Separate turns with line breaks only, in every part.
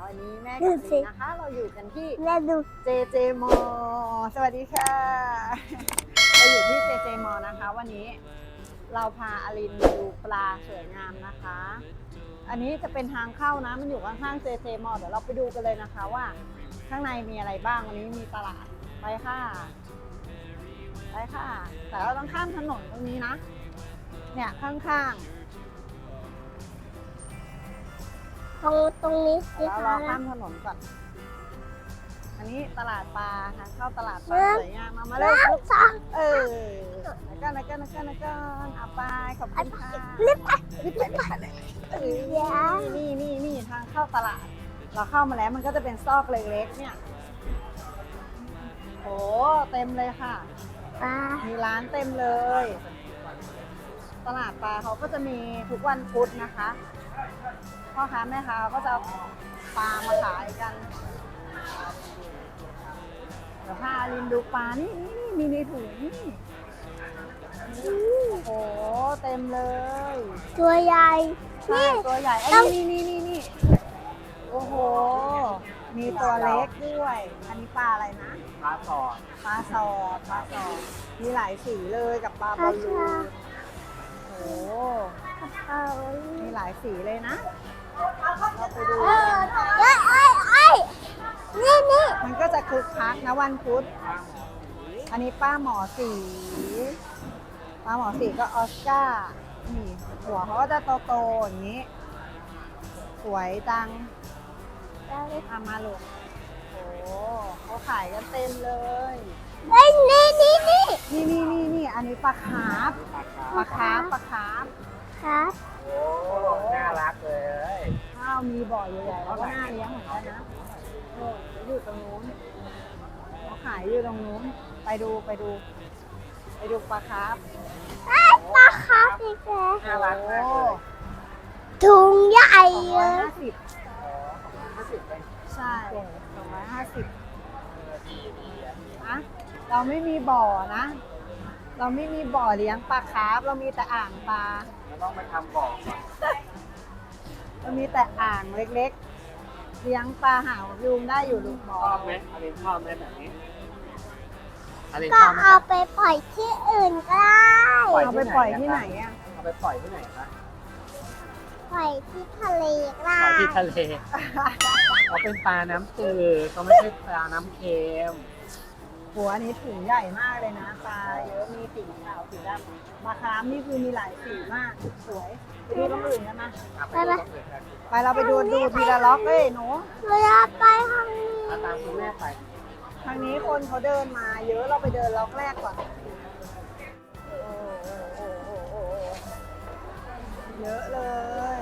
วันนี้แม่กับลีนะคะ เราอยู่กันที่
แม่ดู
JJ Mall สวัสดีค่ะ เราอยู่ที่ JJ Mall นะคะ วันนี้เราพาอลินมาดูปลาสวยงามนะคะ อันนี้จะเป็นทางเข้านะ มันอยู่ข้างๆ JJ Mall เดี๋ยวเราไปดูกันเลยนะคะว่าข้างในมีอะไรบ้าง วันนี้มีตลาดไปค่ะไปค่ะ แต่เราต้องข้ามถนนตรงนี้นะ เนี่ยข้างๆ
ตรงนี้สิ
แล้ว
คะ
เราข้ามถนนก่อน อันนี้ตลาดปลาค่ะเข้าตลาดปลาสวยงามมาเลยลูก
สอง
แล้วก็เอาไปขอบคุณค่ะ
รีบไป
รีบไปนี่ทางเข้าตลาด เราเข้ามาแล้วมันก็จะเป็นซอกเล็กๆเนี่ยโอ้เต็มเลยค่ะ
ปลา
มีร้านเต็มเลย ตลาดปลาเขาก็จะมีทุกวันพุธนะคะพ่อค้าแม่ค้าก็จะเอาปลามาขายกันเดี๋ยวพาลินดูปลานี่มีในถุงนี่โอ้โหเต็มเลย
ตัวใหญ่
ใช่ตัวใหญ่ไอ้นี่โอ้โหมีตัวเล็กด้วยอันนี้ปลาอะไรนะ
ปลาสอด
ปลาสอดมีหลายสีเลยกับปลาบอลลูนโอ้โห
เอา
มีหลายสีเลยนะเราไปดู
นี่
มันก็จะคึกคักนะวันพุธอันนี้ป้าหมอสีก็ออสการ์นี่หัวเขาก็จะโตๆอย่างนี้ สวยจังมาลูกโอ้เขาขายกันเต็มเลย
นี่
นี่อันนี้ปลาคาร์ฟ
ครับ
โอ้น่ารักเลย
ข้าวมีบ่อใหญ่ๆแล้วก็น่าเลี้ยงเหมือนกันนะโอ้อยู่ตรงนู้นเขาขายอยู่ตรงนู้นไปดูปลาคาร์ฟ
ปลาครับอีกแล้ว
น่ารักมากเลย
ถุงใหญ่เลย
250
50เป็น
ใช่250
ดี
อะเราไม่มีบ่อนะ เราไม่มีบ่อเลี้ยงปลาคาร์ฟเรามีแต่อ่างปลา
เราต้องไปทำบ่อก่อน
เรามีแต่อ่างเล็กๆ เลี้ยงปลาหาวยุงได้อยู่ลูกบ่อ
ชอบไหมอลินชอบไหมแบบนี้อลิน
ก็
ชอบไหม
เอาไปปล่อยที่อื่นก็ได้
เอาไปปล่อยที่ไหนอ่ะ
เอาไปปล่อยที่ไหนคะ
ปล่อยที่ทะเลก็ได้
ปล่อยที่ทะเลเขาเป็นปลาน้ำจืดเขาไม่ใช่ปลาน้ำเค็ม
หัวนี้ถุงใหญ่มากเลยนะปลาเยอะมีสีขาวสีดำปลาคาร์ฟนี่คือมีหลายสีมากสวยไปดูตรงอื่นกันนะ
ไปดูตรงอื่นกัน
ไปเราไปดูทีละล็อกเลยหนู
เวลาไปทางนี้
เอาตามคุณแม่ไป
ทางนี้คนเขาเดินมาเยอะเราไปเดินล็อกแรกก่อนโอ้เยอะเลย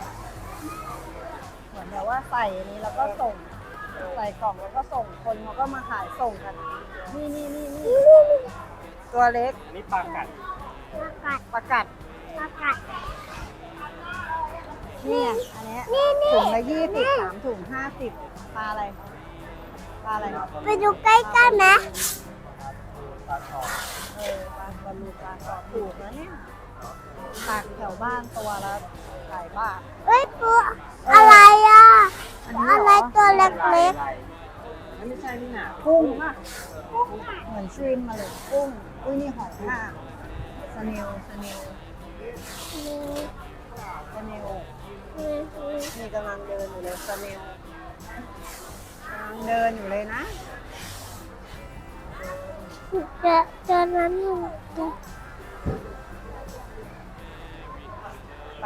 เหมือนแบบว่าใส่อันนี้แล้วก็ส่งใส่กล่องแล้วก็ส่งคนเขาก็มาขายส่งกันนี่ตัวเล็ก
อันนี้ปลากัด
ประกัด
ปลากัด
เนี่ยอันเนี้ย
นี่
ถุงละ20 3 ถุง 50ปลาอะไรปลาอะไร
ไปดูใกล้ๆไหม
ปลาสอด
ปลาบอลลูปลาสอดถูกนะเนี่ยตักแถวบ้านตัวละหลายบาท
เฮ้ยปูอะไรอ่ะ
อันนี้
อะไร
เหรอ
ตัวเล็ก
นั่นไม่ใช่นี่หนา
กุ้งเหมือนชริมมาเลยกุ้งอุ้ยนี่หอยทากสเนล
ๆนี่
นี่กำลังเดินอยู่เลยสเนลกำลังเดินอยู่เลยนะ
เจอนั้นอยู่
ไป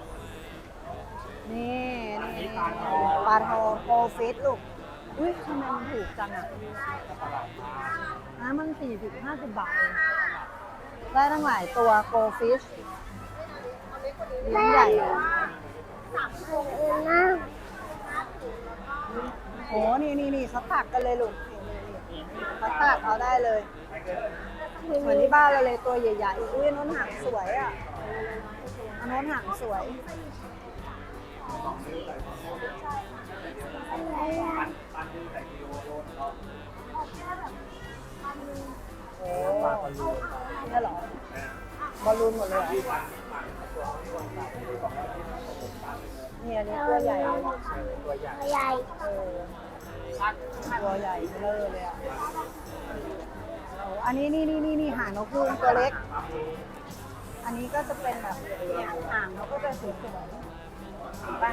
นี่ปลาทองโกฟิตลูกอุ้ยทำไมมันถูกจังอ่ะนะมัน40-50 บาทเองได้ตั้งหลายตัวโกฟิชเลี้ยงใหญ่อะ
นะ
โอ้นี่เขาตักกันเลยลูกนี่เขาตักเอาได้เลยเหมือนที่บ้านเราเลยตัวใหญ่ๆอุ้ยน้นหางสวยอ่ะอันน้นหางสวย
อะไรอ่ะ
โอ้นี่เหรอ บอลลูนหมดเลยเหรอนี่อันนี้ตัวใหญ่
ตัวใหญ่
ใหญ่
เออตัวใหญ่เบลอเลยอ่ะโอ้อันนี้นี่หางนกยูงตัวเล็ก อันนี้ก็จะเป็นแบบเนี่ยหางเขาก็จะสวยๆเห็นปะ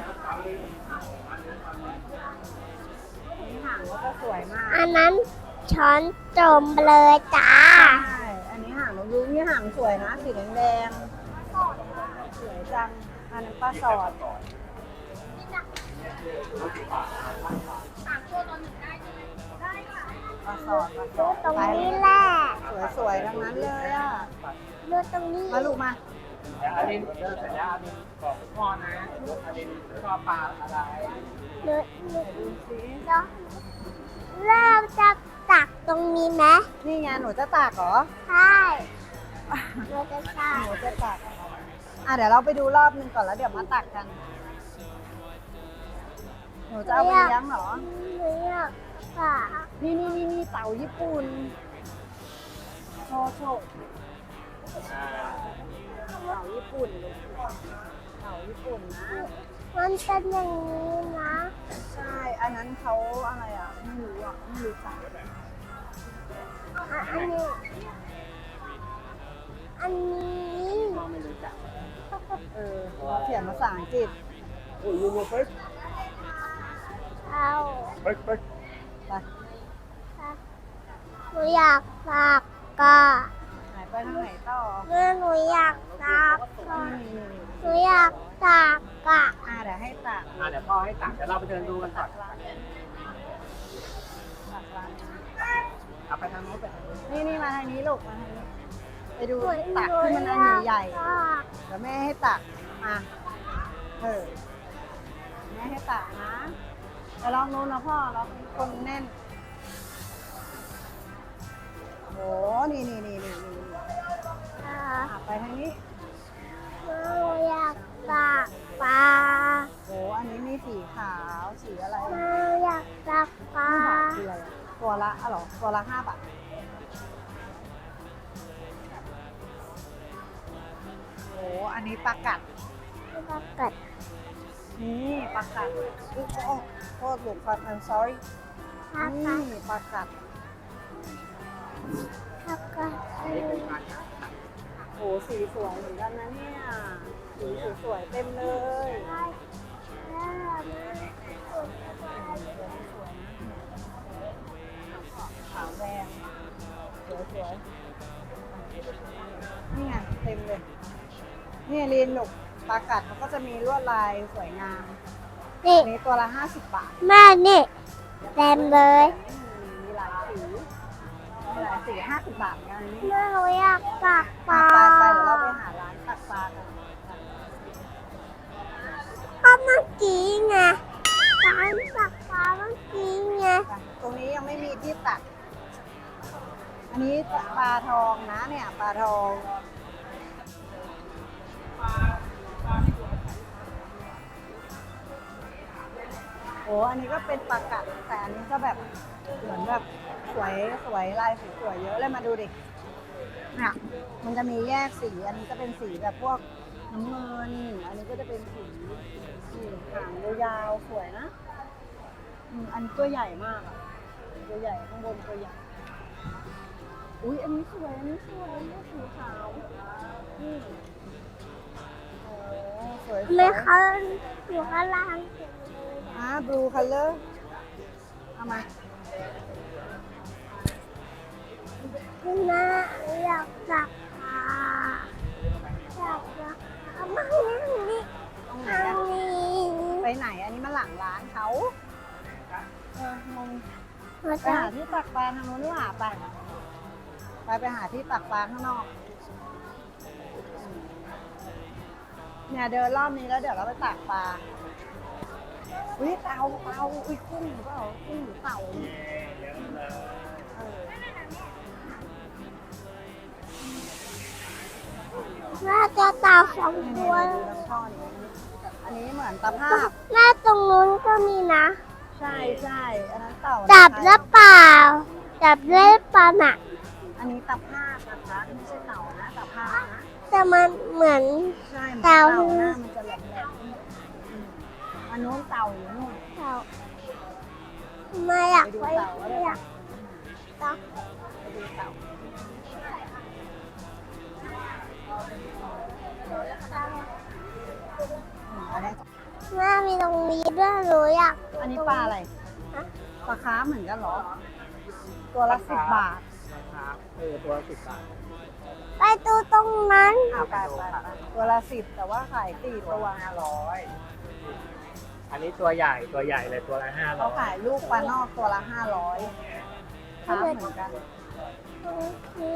อันนี้หางเขาก็สวยมาก
อันนั้นช้อนจมไปเลยจ้า
ใช่ อันนี้หางนกยูงนี่หางสวยนะสีแดงๆสวยจัง อันนั้นปลาสอดปลาสอด
ดูตรงนี้แหละ
สวยๆทั้งนั้นเลยอ่ะ
ดูตรงนี้
มาลูกมา
เดี๋ยวอดินเดินเสร็จแล้วอดินบอกคุณพ่อนะอดินชอบปลาอะไร
ดูดู
ดูสิ
เริ่มจะตักตรงนี้ไหม
นี่ไงหนูจะตากเหรอ
ใช่เราจะใช่
หนูจะตักเดี๋ยวเราไปดูรอบนึงก่อนแล้วเดี๋ยวมาตักกัน หนูจะเอาไปเลี้ยงเหรอ
หนูอยากตัก
นี่เต่าญี่ปุ่นโชว์เต่าญี่ปุ่นลูกเต่าญี่ปุ่นนะ
มันเป็นอย่างนี้นะ
ใช่ อันนั้นเขาอะไรอ่ะ ไม่รู้อ่ะ ไม่รู้จัก
อันนี้ อันนี้
พ่อไม่รู้จัก
เราเขียนภาษาอังกฤษ
โอ้ยยูโรเฟิร์ส
เอา
เฟิร์ส
ไป
หนูอยากตักกะ
หายไปทางไหนต่อ
เมื่อหนูอยากตักกะ
นี่
หนูอยากตักกะ
เดี๋ยวให้ตัก
เดี๋ยวพ่อให้ตักเดี๋ยวเราไปเดินดูกันก่อน
ตักร้าน
เอาไปทางโน้นไปทางโน้น
นี่มาทางนี้ลูกมาทางนี้ ไปดู
หนู
ตักที่มันอันใหญ่
ตัก
ๆเดี๋ยวแม่ให้ตักมาแม่ให้ตักนะเดี๋ยวลองนู้นนะพ่อเราเป็นคนแน่นโหนี่ ไปทางนี้
หนูอยากตักปลา
โหอันนี้มีสีขาวสีอะไร
หนูอยากตักปลา
คืออะไรตัวละเหรอตัวละ5 บาทโหอันนี้ปลากัด
ตักกัด
นี่ปลากัดอุ๊ยโทษลูกครับ I'm sorry
ตัก
นี่
กัด
ปลากัด
ตักกัด
โหสีสวยเหมือนกันนะเนี่ยสีสวยๆเต็มเลย
ใช่แล้วนะ
ขาวแดงสวยๆนี่ไงเต็มเลยนี่ลีนลูกปลากัดมันก็จะมีลวดลายสวยงาม
นี่
อันนี้ตัวละ50 บาท
แม่นี่เต็มเลย
มีหลายสี50 บาทเหมือนกันอันนี้
แม่หนูอยากตักปลา
ไปเดี๋ยวเราไปหาร้านตักปลากัน
ก็เมื่อกี้ไงร้านตักปลาเมื่อกี้ไง
ไปตรงนี้ยังไม่มีที่ตัก อันนี้ปลาทองนะเนี่ยปลาทองโอ้อันนี้ก็เป็นปลากัดแต่อันนี้ก็แบบเหมือนแบบสวยลายสวยๆเยอะเลยมาดูดิเนี่ยมันจะมีแยกสีอันนี้จะเป็นสีแบบพวกน้ำเงินอันนี้ก็จะเป็นสีหางยาวๆสวยนะอันนี้ตัวใหญ่มากอะตัวใหญ่ข้างบนตัวใหญ่อุ้ยอันนี้สวยอันนี้สีขาวนี่โอ้สวย
ไม่เขาอยู่ข้างล่าง
blue color เอามา
แม่อยากตักปลาอยากตักเอามานี่
ตรงไหน
ทาง
อะ
นี้
ไปไหนอันนี้มาหลังร้านเขางง
มา
ไป
ตั
หาก ที่ตักปลาทางโน้นดีกว่าไปหาที่ตักปลาข้างนอกเนี่ยเดินรอบนี้แล้วเดี๋ยวเราไปตักปลาอุ้ยเต่าอุ้ยกุ้งหรือเปล่ากุ้งหรือเต่าเนี่ยเออ
แม่จะตาสอง
นี่
ตัว
ดูลำช่อนี้อันนี้เหมือนตะภาพ
แม่ตรงนู้นก็มีนะ
ใช่อันนั้นเต่า
จับแล้วเปล่า จับได้ปลาหนัก
อันนี้ตะภาพนะคะไม่ใช่เต่านะตะภาพนะ
แต่มันเหมือน
ใช่เหมือน
เต่า
หน้ามันจะแหลมๆอันนู้นเต่าอยู่นู่น
เต่าไม่อยาก
ไปดู
ไป
เต่าก็ได้
อยากเต่า
ไปดูเต่าอันนี้
แม่มีตรงนี้ด้วยหนูอยาก
อันนี้ปลาอะไร
ฮะ
ปลาคาร์ฟเหมือนกันเหรอ ตัวละ10 บาท
นะครับตัวละ10 บาท
ไปดูตรงนั้น
ไปตัวละ10แต่ว่าขาย4 ตัว
อันนี้ตัวใหญ่เลยตัวละ500
เขาขายลูกปลานอกตัวละ500คาร์ฟเหมือนกัน
ตรงนี้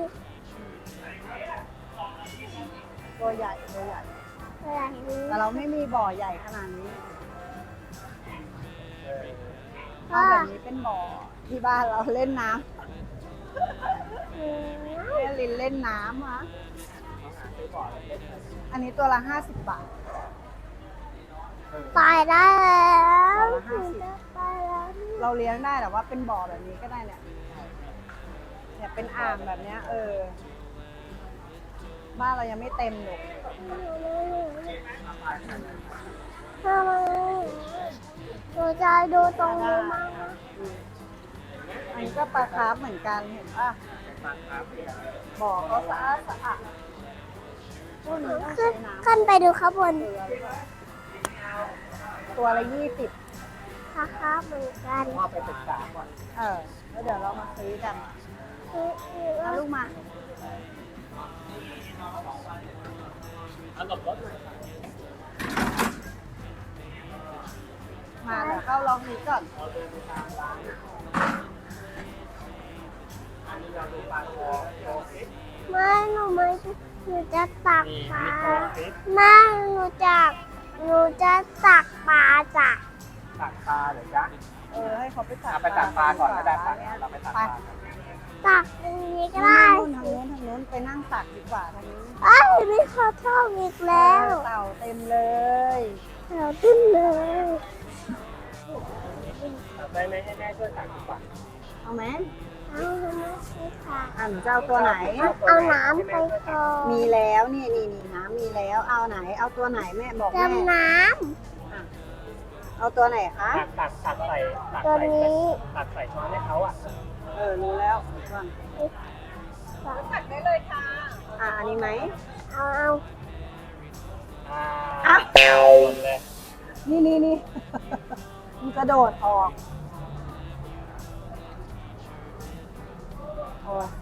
ตัวใหญ่
อะไรนี้
แต่เราไม่มีบ่อใหญ่ขนาดนี้
เออ
ถ้าแบบนี้เป็นบ่อที่บ้านเราเล่นน้
อืม
ำแม่ลินเล่นน้ำฮะ
ต้องหาซื้อบ่อเล็กๆหน่อย
อันนี้ตัวละ50 บาท
ไปได้แล้ว
ตัวละ50
ไปแล้ว
เราเลี้ยงได้แต่ว่าเป็นบ่อแบบนี้ก็ได้เนี่ยเป็นอ่างแบบเนี้ยบ้านเรายังไม่เต็มอยู่
ทำไมหนูจะดูตรงนี้มั้งนะ
อันนี้ก็ปลาคาร์ฟเหมือนกันเห็นป่ะ บ่อเขาสะอาดพวกนี้ต้อง
ขึ้
ใช้
น
น้ำ
ขึ้นไปดูข้างบน
ตัวละ20
ค่ะเหมือนกัน
พ่อไปศึกษาก่อน
แล้วเดี๋ยวเรามาซื้อกันเอาลูกมา
เอาหลบรถหน่อย
มาเดี๋ยวเข้าลองนี้ก่อน
เราเดินไปตามร้านอันนี้เราดูปลาโคฟิต
ไม่หนูไม่หนูจะตัก
นี่
ปลา
โคฟิต
แม่หนูจะตักปลาจ้ะ
ตักปลาเหรอจ๊ะ
ให้เขาไปตัก
เอาไปตักปลาก่อนก็ได้ปลาเราไปตักปลากัน
ตักตรงนี้ก็
ได้
ได้
ทางนู้นไปนั่งตักดีกว่าทางนี้
เอ้ยมีข้าวทอดอีกแล้ว
เต่าเต็มเลย
เราขึ้นเลย
ตักได้ไหมให้แม่ช่วยตักดีกว่า
เอาไหม
เอาทำไมไม่ตัก
หนูจะเอาตัวไหน
เอาน้ำไปก่อน
มีแล้วนี่น้ำมีแล้วเอาไหน เอาตัวไหนแม่บอกแม่
จำน้
เอาตัวไหนคะ
ตักใส่
ำตัวนี้
ตักใส่ช้อนให้เขาอ่ะ
รู้แล้วก่อน
ตัก
อันนี้ไหม
เอา
อ่าหมดเลย
นี่ มันกระโดดออกโอ้ย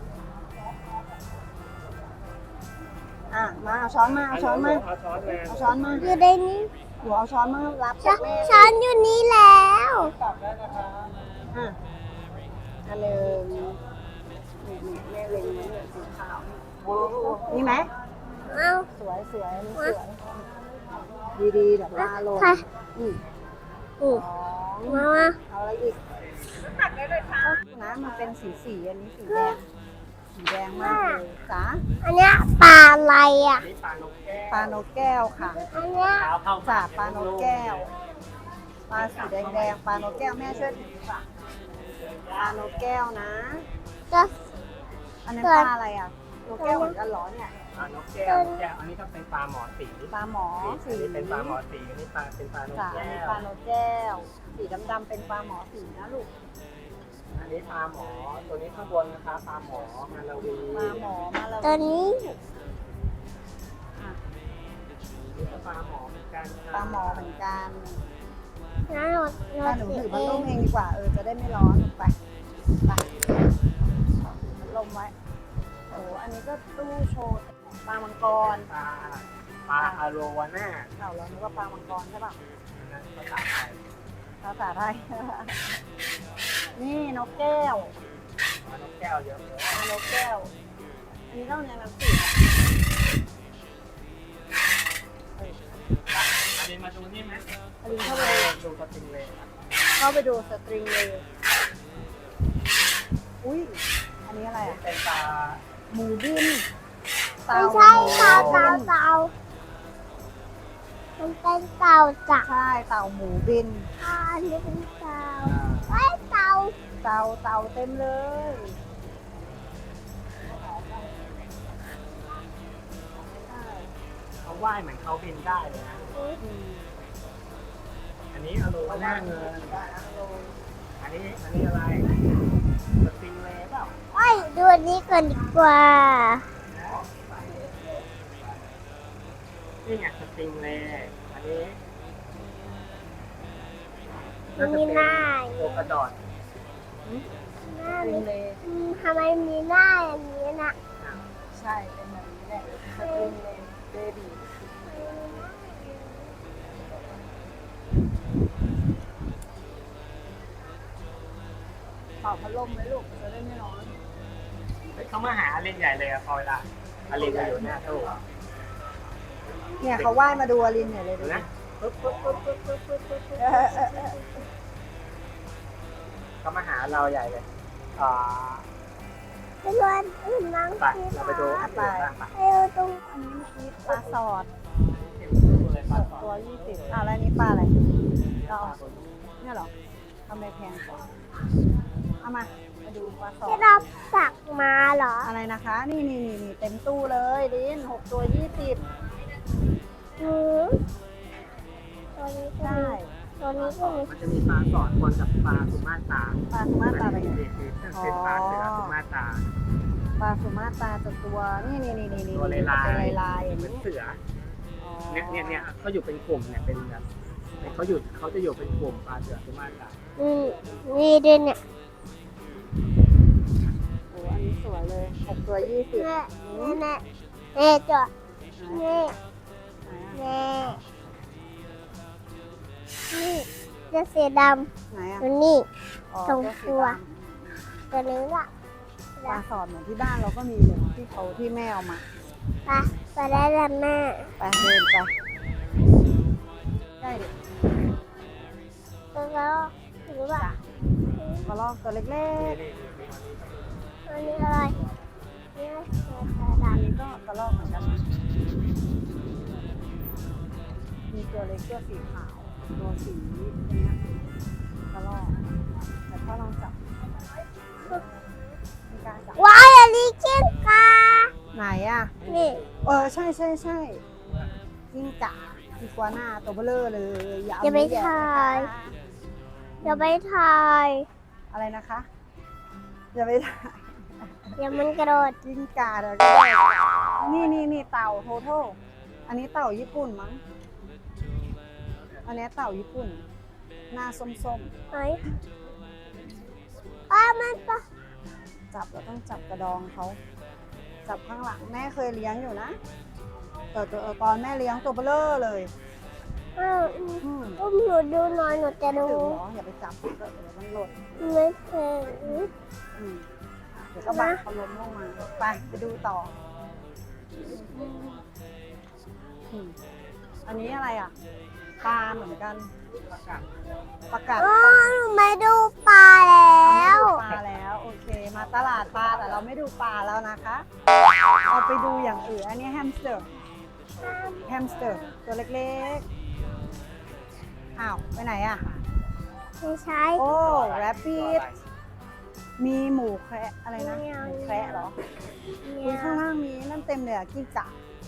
มาเอาช้อนมา
เอาช้อนมา
เอาช้อนมา
อยู่ในนี้
หนูเอาช้อนมารับ
ช้
จา
อก น
แม่
ช้อนอยู่นี่แล้ว
ตักได้นะคะ
อันหนึ่งนี่แม่เล็งไว้เนี่ยสีขาวนี่ไหม
เอา
สวยอันนี้สวยดีเดี๋ยวปลาลง
ค่ะ
อืม
อือ
สอง
มา
เอาอะไรอีกตักได้เลยค่ะนะมันเป็นสีอันนี้สีแดงมากเลยจ้า
อันเนี้ยปลาอะไรอ่ะ
นี่ปลานกแก้ว
ปลานกแก้วค่ะ
อันเนี้ย
เท้าเข้า
จ่าปลานกแก้วปลาสีแดงปลานกแก้วแม่ช่วยถือค่ะปลานกแก้วนะ
จะ
อันนั้นปลาอะไรอ่ะนกแก้วเหมือนกันเหรอเนี่ย
ปลานกแก้ว อันนี้ก็เป็นปลาหมอสี
ปลาหมอสี
อันนี้เป็นปลาหมอสีอันนี้เป็นปลานก
จ้ะอัน
แก้
นี้
ว
ปลานกแก้ว สีดำๆเป็นปลาหมอสีนะลูก
อันนี้ปลาหมอ ตัวนี้ข้างบนนะคะปลาหมอมาลาวี
ปลาหมอมาแล้ว
ตัวนี้
นี่ก็ปลาหมอเหมือนกันค่ะ
ปลาหมอเหมือนกัน
งั้นหนู
ถ้าหนู
ถื
ถื
อ
อ
เอ
พัดล
ง
มเองดีกว่าจะได้ไม่ร้อนไปพัดลมไว้โอ้อันนี้ก็ตู้โชว์ปลามังกร
ปลาอาโรวาน่า
เรานึกว่าปลามังกรใช่ป่ะ
นั่นภาษาไทย
ภาษาไทย นี่นกแก้ว
ปลานกแก้วเยอะเลย
ปลานกแก้ว อันนี้ต้องเรียนหนังสือ
อันนี้มาดูนี่ไหม
อันนี้เข้าไป
ดูสติงเลย
เข้าไปดูสตริงเลยอุ้ยอันนี้อะไรอ่ะ
เป็นปลา
หมูบิน
ไม่ใช่เต่ามันเป็นเต่าจ้ะ
ใช่เต่าหมูบิน
อันนี้เป็นเต่าไอ้เต่า
เต่าเต็มเลย
เขาว่ายเหมือนเขาบินได้เลยนะ
อืม
อันอันนี้อโลหน้าเงินอันนี้อะไรสปริงเลย์เปล่า
โอ้ยดูอันนี้ก่อนดีกว่า
นี่ไงสปริงเลย์อันนี้
มีหน้า
โอากระดอน
หน้า
ลิ
มี
งเล
ทำไมมีหน้าอย่างนี้นะ
ใช่เป็นแบบนี้แหละสปริงเลเบบี้เป่าพัดลมไหมลูกจะได้ไม่ร้อน
เขามาหาอลินใหญ่เลยอะพอเวลาอลินจะอยู่หน้าตู้
เนี่ยเขาว่ายมาดูอลินเนี่ยเลยดู
นะ
นะ
ปุ๊บเขามาหาเราใหญ่เลย
ไปรวนอื่นมั้ง
ไปเราไปดูอันอื่นบ้างไป
ไปดูตรง
อันนี้เมื่อกี้ปลาสอด
เห็นตู้เลยปลาสอด
ตัว20แล้วอันนี้ปลาอะไรเราเอาเนี่ยเหรอทำไมแพงกว่าเอามาดูปลาสอ
ที่
ด
เราสักมาเหรอ
อะไรนะคะ นี่เต็มตู้เลยลิน6 ตัว 20
หือตัวนี้ก็
ได้
มีตัวนี้ก็มี
มันจะมีปลาสอดคนกับปลาสุมาตรา
ปลาสุมาตราไป
เป็น
ไง
เป็นปลาเสือสุมาตรา
ปลาสุมาตราจะตัวนี่
ตัวลาย
เป็นลายๆอย่าง
เหมือน
นี้
เสือ
อ๋อ
เนี่ยเขาอยู่เป็นกลุ่มเนี่ยเป็นแบบเขาจะอยู่เป็นกลุ่มปลาเสือสุมาตรา
นี่ด้วยเนี่ย
โอ้อันนี้สวยเลย6 ตัว 20
แม่แม่แม่จอดแม่
ไหนอะ
แม่นี่จะสีด
ไหน
ำ
อะ
ตัวนี้
อ๋อ
ตรง
เจ้าสี
ตัว
ดำ
ตัวนี้ล่ะ
ปลาสอดเหมือนที่บ้านเราก็มีเลยที่แม่เอามา
ไปได้แล้วแม่
ไปเดินไปใช่ดิ
ตัวแล้วหรือว่าก
ระรอกตัวเล็ก
ตัวนี้อะไรนี่ตัว
ๆอัน
ดำ
นี้ก็กระรอกเหมือนกันนะมีตัวเล็กตัวสีขาวตัวสีเนี้ยกระรอกแต่ถ้าลองจับไม่กล้าจับ
ว้ายอันนี้จิ้งกา
ไหนอ่ะ
นี่
ใช่กิ้งก่าอีกัวน่าตัวเบลอเลยอย่าเอา
อย่าไป
นิ้วแหย่
ถ่าย
นะคะ
อย่าไปถ่าย
อะไรนะคะอย่าไปถ่าย
อย่ามันกระโดด
กิ้งก่าเดี๋ยวก็ได้นี่เต่าโทโทอันนี้เต่าญี่ปุ่นมั้งอันนี้เต่าญี่ปุ่นหน้าส้ม
ไหนมันปะ
ๆจับเราต้องจับกระดองเขาจับข้างหลังแม่เคยเลี้ยงอยู่นะแต่ตอนแม่เลี้ยงตัวเบลอเลย อืม
อุ้มหนูดูหน่อยหนูจะ
ถึ
ดู
งเหรออย่าไปจับเดี๋ยวมันหล่น
ไม่เคย
อืมเดี๋ยวก็บังเขาล้มลงมาไปดูต่ออืมอันนี้อะไรอ่ะปลาเหมือนกันประกาศ
อ๋อหนูไม่ดูปลาแล้ว
ปลาแล้วโอเค มาตลาดปลาแต่เราไม่ดูปลาแล้วนะคะเราไปดูอย่างอื่นอันนี้แฮมสเตอร์ตัวเล็กๆอ้าวไปไหนอ่ะ
ไม่ใช่
โอ้แรปปี้มีหมูแคระอะไรนะแคระเหรอคุณข้างล่างมีนั่นเต็มเลยอ่ะกิ้งก่า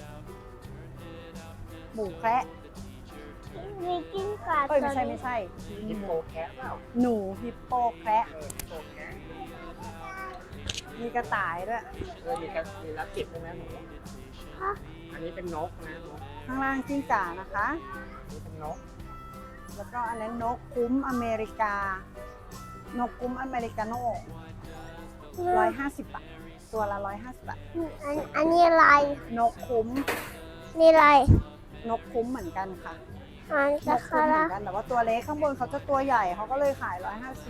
หมูแคระ
มีกิ้งก่า
เอ้ยไม่ใช่
ฮิปโปแคทเปล่า
หนูฮิปโปแคระ
ฮิปโปแคท
มีกระต่ายด้วย
มีรับจิบด้วยนะหนูอันนี้เป็นนกนะนก
ข้างล่างกิ้งก่านะคะ
อันนี้เป็นนก
แล้วก็อันนั้นนกคุ้มอเมริกานกคุ้มอเมริกาโน่150 บาทตัวละ150 บาท
อันนี้อะไร
นกคุ้ม
นี่อะไร
นกคุ้มเหมือนกันค่ะ
อัน
น
จะ
ก
คา
คุ้มเหมื
รา
อนกันแต่ว่าตัวเล็กข้างบนเขาจะตัวใหญ่เขาก็เลยขาย150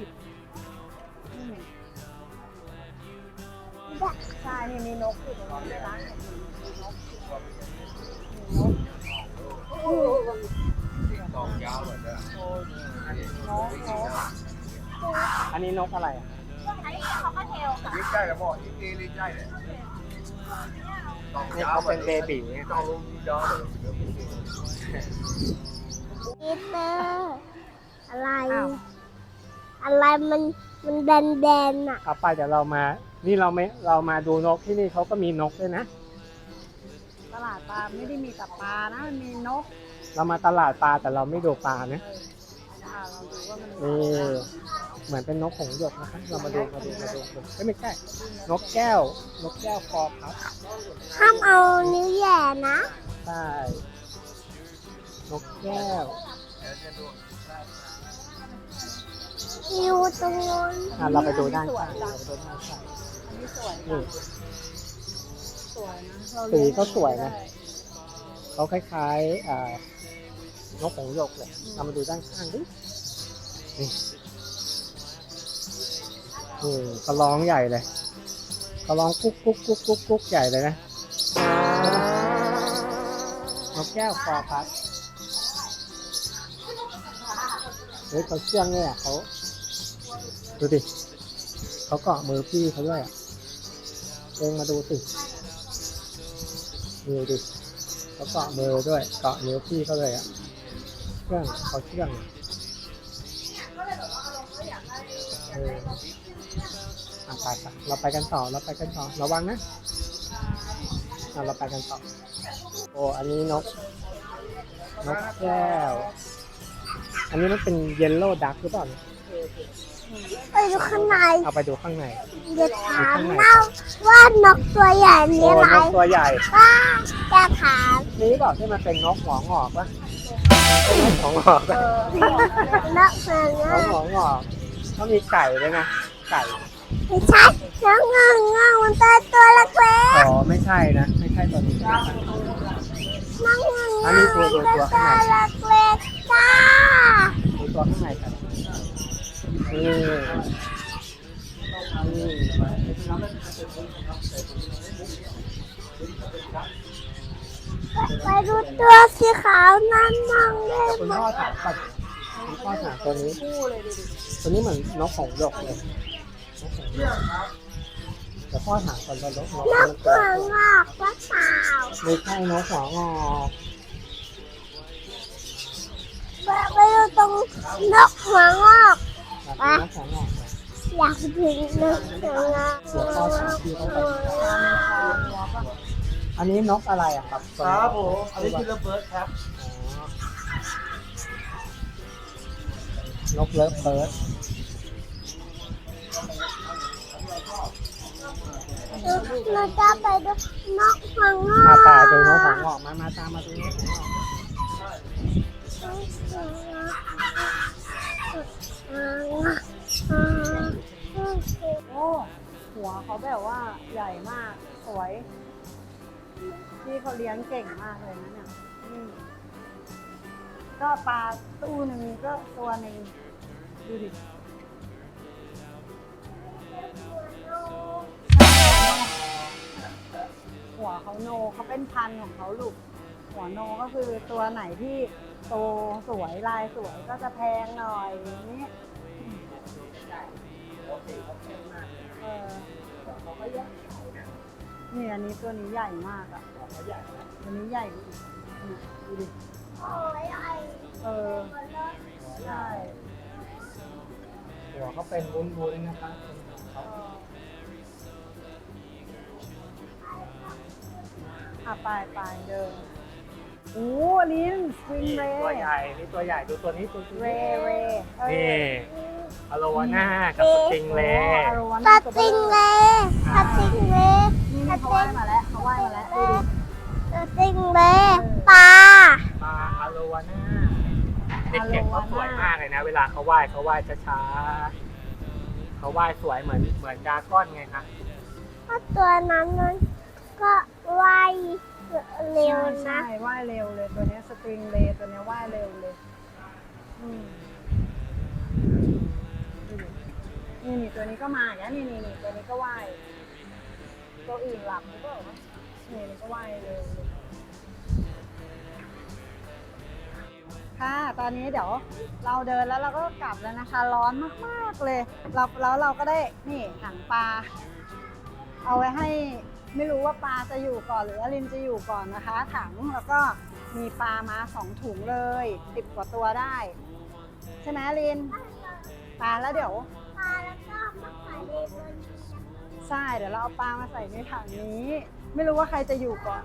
ใช่นี่มีนกอยู่ตรงนี้ด้วยนะมีนก
อันนี้นกอะไรอ่ะ
ลิใจเลยพ่ออีกลิใจเลย
นี่เขาเป็นเบบีเนี่ย
ต้องลงยาวเลย
ปีเตอร์อะไร
อ้าว
อะไรมันแดนๆอ่ะ
เอาไปเดี๋ยวเรามานี่เรามาดูนกที่นี่เขาก็มีนกด้วยนะ
ตลาดปลาไม่ได้มีแต่ปลานะมันมีนก
เรามาตลาดปลาแต่เราไม่ดูปลานะ
น
นี่เหมือนเป็นนกหงส์หยกนะครับเรามาดูเอ้ยไม่ใช่นกแก้วนกแก้วคอพับ
ห้ามเอานิ้วแหย่นะ
ใช่นกแก้ว
อยู่ตรงนู้น
เราไปดูด้านข้างเราไปดูด้านข้าง
อันนี้สวย
นี่
สวยนะเรา
สี
เลี้ยง
ก็สวยนะ
ได้
เขาคล้ายๆนกหงส์หยกเลยเรามาดูด้านข้างดินี่เขาร้องใหญ่เลยเขาร้องกุ๊กกุ๊กกุ๊กกุ๊กกุ๊กใหญ่เลยนะนกแก้วคอพับเฮ้ยเขาเชื่องเนี่ยเขาดูดิเขาเกาะมือพี่เขาด้วยอ่ะเองมาดูสิดูดิเขาเกาะมือด้วยเกาะนิ้วพี่เขาเลยอ่ะเชื่องเขาเชื่องไปเราไปกันต่อระวังนะเราไปกันต่อโอ้อันนี้นกแก้วอันนี้มันเป็นเยลโล่ดักหรือเปล่า
ไปดูข้างใน
เอาไปดูข้างใน
เดี๋ยวถามนะว่านกตัวใหญ่มี
โอ้
อะไร
นกตัวใหญ่
ว่าจะถาม
นี่เปล่าที่มันเป็นนกหัวงอกปะเป็นนกหัวงอกปะ
นกเสือน
กหัวงอกเขามีไก่ด้วยนะไก่
ไม่ใช่นกเงามันตัวเล็ก
อ๋อไม่ใช่นะไม่ใช่ตัวนี้
ๆนกเงา
อันนี้ตัว
ตัว
ข้างใน
เล็กๆจ้า
ดูตัวข้างในครับนี่
ไปดูตัวสีขาวนั่นมั่งได้
คุณ
ไหม
พ่อถามก่อนคุณพ่อถามตัวนี้
คู่เลยดูดิ
ตัวนี้เหมือนนกหงส์หยกเลยนกหงส์หยกแต่พ่อถามก่อนว่านก
นกหัวงอกหรือเปล่า
ไม่ใช่นกหัวงอก
ไปดูตรงนกหัวงอก
แบบนกหัวงอก
อยากถึงนกหัวงอก
เดี๋ยวพ่อถามพี่เขาไปอันนี้นกอะไรอะครับ
ครับผมอันนี้คือระเบิดครับ
นกเลิฟเบิร์ด
เราจะไปดูนกหัวงอ
ตาก ดูนกหัวงอกมาตามมาดูนกหัวงอก
โอ้หัวเขาแบบว่าใหญ่มากสวยพี่เขาเลี้ยงเก่งมากเลยนะเนี่ยก็ปลาตู้หนึ่งก็ตัวหนึ่งดูดิหัวเขาโนเขาเป็นพันธุ์ของเขาลูกหัวโนก็คือตัวไหนที่โตสวยลายสวยก็จะแพงหน่อยอย่างนี้นี่อันนี้ตัวนี้ใหญ่มากอ่ะตัวนี้ใหญ่กว่าอีกนี่ดูดิใช่
หัวเขาเป็นวุ้นๆนะครับ
ไปเดินโอ้ลิ้นสวิงเร
ตัวใหญ่นี่ตัวใหญ่ดูตัวนี้ตัว
เร
นี่อโลวาน่ากับสติงเล่
ปลาติงเลยปลาติงเลย
นี่เขาว่ายมาแล้วเขาว่ายมาแล้วดูดิ
ปลาติงเลยปลา
ปลาอโลวาน่าเด็กๆเขาสวยมากเลยนะ เวลาเขาว่ายช้าๆเขาว่ายสวยเหมือนดราก้อนไงคะ
ถ้าตัวนั้นมันก็ว่ายเร็วนะ
ใช่ว่ายเร็วเลยตัวนี้สตริงเลตัวนี้ว่ายเร็วเลยนี่ตัวนี้ก็มาอย่างนี้นี่ตัวนี้ก็ว่ายตัวอื่นหลับหรือเปล่านี่ก็ว่ายเร็วเลยค่ะตอนนี้เดี๋ยวเราเดินแล้วเราก็กลับแล้วนะคะร้อนมากๆเลยแล้วเราก็ได้นี่ถังปลาเอาไว้ให้ไม่รู้ว่าปลาจะอยู่ก่อนหรืออลินจะอยู่ก่อนนะคะถังแล้วก็มีปลามา2 ถุงเลย10 กว่าตัวได้ใช่ไหมอลินปลาแล้วเดี๋ยว
ปลาแล้วก็มาใส่ในบน
ใช่เดี๋ยวเราเอาปลามาใส่ในถังนี้ ไม่รู้ว่าใครจะอยู่ก่อน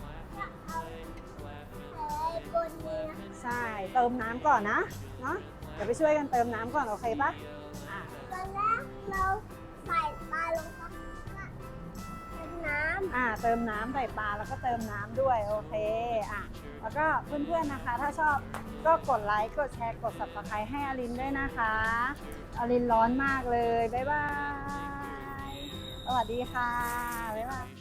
บนนี้
ใช่เติมน้ำก่อนนะเนาะ
ใ
เดี๋ยวไปช่วยกันเติมน้ำก่อนโอเคปะอ่ะ
ตอนแรกเราใส่ปลาลงไปเป็นน้
เติมน้ำใส่ปลาแล้วก็เติมน้ำด้วยโอเคอ่ะแล้วก็เพื่อนๆนะคะ ถ้าชอบก็กดไลค์กดแชร์กด subscribe ให้อลินด้วยนะคะอลินร้อนมากเลยบ๊ายบายสวัสดีค่ะบ๊ายบาย